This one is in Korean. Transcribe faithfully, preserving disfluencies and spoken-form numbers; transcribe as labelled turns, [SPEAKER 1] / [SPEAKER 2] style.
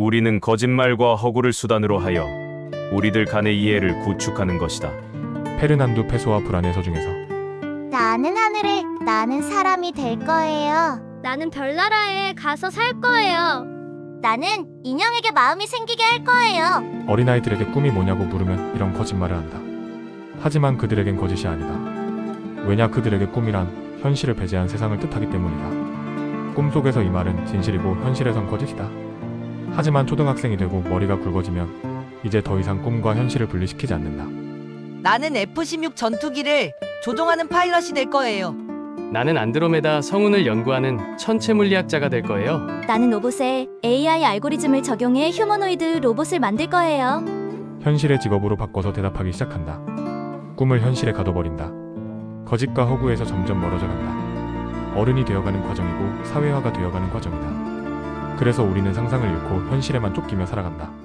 [SPEAKER 1] 우리는 거짓말과 허구를 수단으로 하여 우리들 간의 이해를 구축하는 것이다.
[SPEAKER 2] 페르난두 페소와 불안의 서중에서
[SPEAKER 3] 나는 하늘에, 나는 사람이 될 거예요.
[SPEAKER 4] 나는 별나라에 가서 살 거예요.
[SPEAKER 3] 나는 인형에게 마음이 생기게 할 거예요.
[SPEAKER 2] 어린아이들에게 꿈이 뭐냐고 물으면 이런 거짓말을 한다. 하지만 그들에겐 거짓이 아니다. 왜냐, 그들에게 꿈이란 현실을 배제한 세상을 뜻하기 때문이다. 꿈속에서 이 말은 진실이고 현실에선 거짓이다. 하지만 초등학생이 되고 머리가 굵어지면 이제 더 이상 꿈과 현실을 분리시키지 않는다.
[SPEAKER 5] 나는 에프 십육 전투기를 조종하는 파일럿이 될 거예요.
[SPEAKER 6] 나는 안드로메다 성운을 연구하는 천체 물리학자가 될 거예요.
[SPEAKER 4] 나는 로봇에 에이아이 알고리즘을 적용해 휴머노이드 로봇을 만들 거예요.
[SPEAKER 2] 현실의 직업으로 바꿔서 대답하기 시작한다. 꿈을 현실에 가둬버린다. 거짓과 허구에서 점점 멀어져 간다. 어른이 되어가는 과정이고 사회화가 되어가는 과정이다. 그래서 우리는 상상을 잃고 현실에만 쫓기며 살아간다.